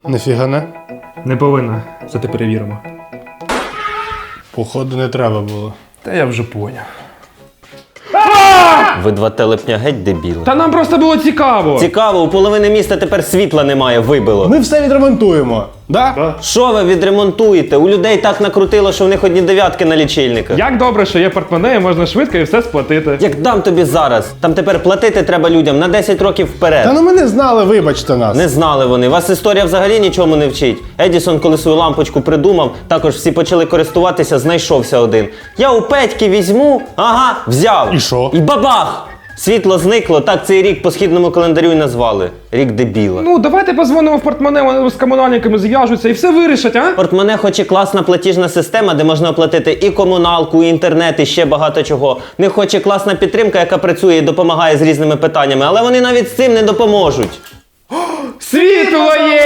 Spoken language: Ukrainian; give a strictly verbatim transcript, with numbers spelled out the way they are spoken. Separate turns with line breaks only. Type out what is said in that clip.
Нифіга не.
Не повинна. Зате перевіримо.
Походу не треба було.
Та я вже поняв.
Ви два телепня геть дебіли.
Та нам просто було цікаво.
Цікаво, у половини міста тепер світла немає, вибило.
Ми все відремонтуємо. Да?
Що ви відремонтуєте? У людей так накрутило, що в них одні дев'ятки на лічильниках.
Як добре, що є портмоне і можна швидко і все сплатити.
Як дам тобі зараз? Там тепер платити треба людям на десять років вперед.
Та ну ми не знали, вибачте нас.
Не знали вони. Вас історія взагалі нічому не вчить. Едісон, коли свою лампочку придумав, також всі почали користуватися, знайшовся один. Я у Петьки візьму, ага, взяв.
І що?
І бабах! Світло зникло, так цей рік по східному календарю і назвали. Рік дебіла.
Ну, давайте позвонимо в портмоне, вони з комунальниками зв'яжуться і все вирішать, а?
Портмоне хоч і класна платіжна система, де можна оплатити і комуналку, і інтернет, і ще багато чого. В них хоч і класна підтримка, яка працює і допомагає з різними питаннями, але вони навіть з цим не допоможуть.
Світло є!